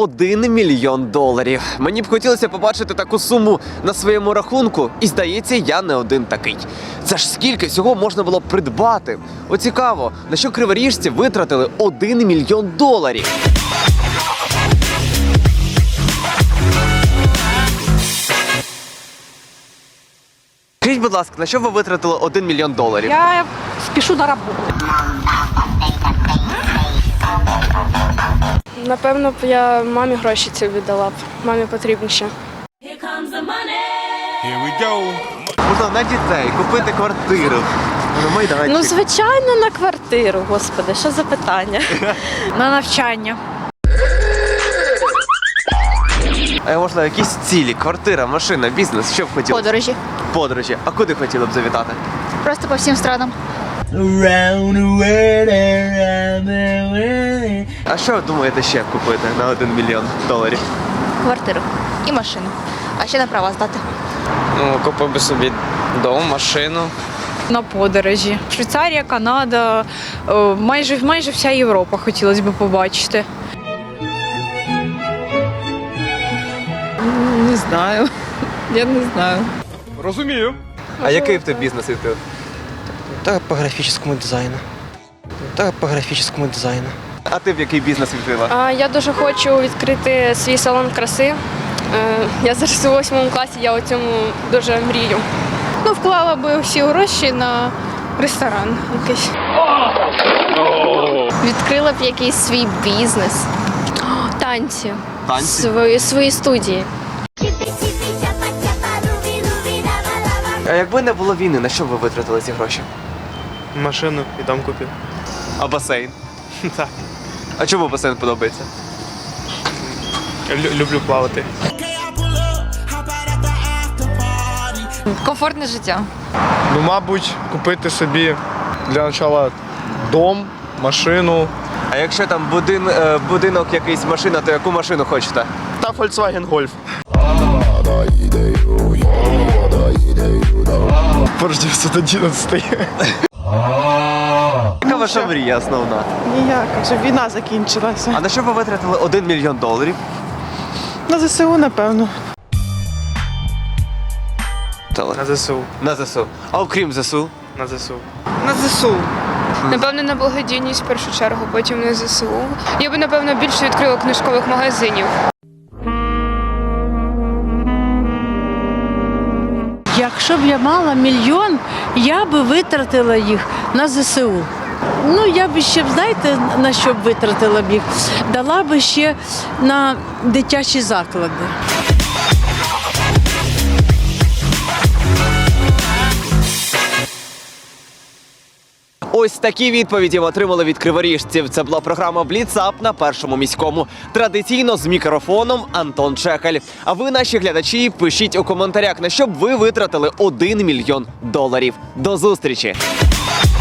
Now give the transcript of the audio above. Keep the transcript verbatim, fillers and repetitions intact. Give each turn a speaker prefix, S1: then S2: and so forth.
S1: один мільйон доларів. Мені б хотілося побачити таку суму на своєму рахунку, і здається, я не один такий. Це ж скільки всього можна було б придбати? О, цікаво, на що криворіжці витратили один мільйон доларів? Скажіть, будь ласка, на що ви витратили один мільйон доларів?
S2: Я спішу на роботу.
S3: Напевно б я мамі гроші ці віддала б. Мамі потрібніше.
S1: Можна на дітей, купити квартиру. Ну,
S2: Ну, звичайно, на квартиру, господи, що за питання? На навчання.
S1: А можна якісь цілі, квартира, машина, бізнес, що б хотіли?
S4: Подорожі.
S1: Подорожі. А куди хотіли б завітати?
S4: Просто по всім странам.
S1: А що ви думаєте ще купити на один мільйон доларів?
S4: Квартиру і машину. А ще на права здати.
S5: Ну, купив би собі дом, машину.
S2: На подорожі. Швейцарія, Канада, о, майже, майже вся Європа хотілося б побачити. Не знаю. Я не знаю.
S1: А який б ти бізнес відкрив?
S6: Да, по графическому дизайну. Да, по графическому дизайну.
S1: А ти б який бізнес відкрила?
S3: А я дуже хочу відкрити свій салон краси. Е, Я зараз у восьмому класі, я у цьому дуже мрію.
S2: Ну, вклала би всі гроші на ресторан якийсь.
S7: Відкрила б якийсь свій бізнес. Танці.
S1: Танці?
S7: Свої, свої студії.
S1: А якби не було війни, на що б ви витратили ці гроші?
S6: Машину і дом купив.
S1: А басейн?
S6: Так.
S1: А чому басейн подобається?
S6: Лю- люблю плавати.
S2: Комфортне життя.
S8: Ну, мабуть, купити собі для початку дом, машину
S1: А якщо там будин, е, будинок якийсь, машина, то яку машину хочете?
S8: та Volkswagen Golf. Porsche дев'ятсот одинадцять.
S1: Яка ваша мрія основна?
S9: Ніяка, щоб війна закінчилася.
S1: А на що ви витратили один мільйон доларів?
S9: На ЗСУ, напевно.
S6: На ЗСУ.
S1: На ЗСУ. А окрім ЗСУ?
S6: На ЗСУ.
S9: На ЗСУ.
S3: Напевно, на благодійність в першу чергу, потім на ЗСУ. Я би, напевно, більше відкрила книжкових магазинів.
S10: Якщо б я мала мільйон, я би витратила їх на ЗСУ. Ну, я б ще, знаєте, на що б витратила б їх? Дала би ще на дитячі заклади.
S1: Ось такі відповіді ми отримали від криворіжців. Це була програма «Бліцап» на Першому міському. Традиційно з мікрофоном Антон Чехаль. А ви, наші глядачі, пишіть у коментарях, на що б ви витратили один мільйон доларів. До зустрічі!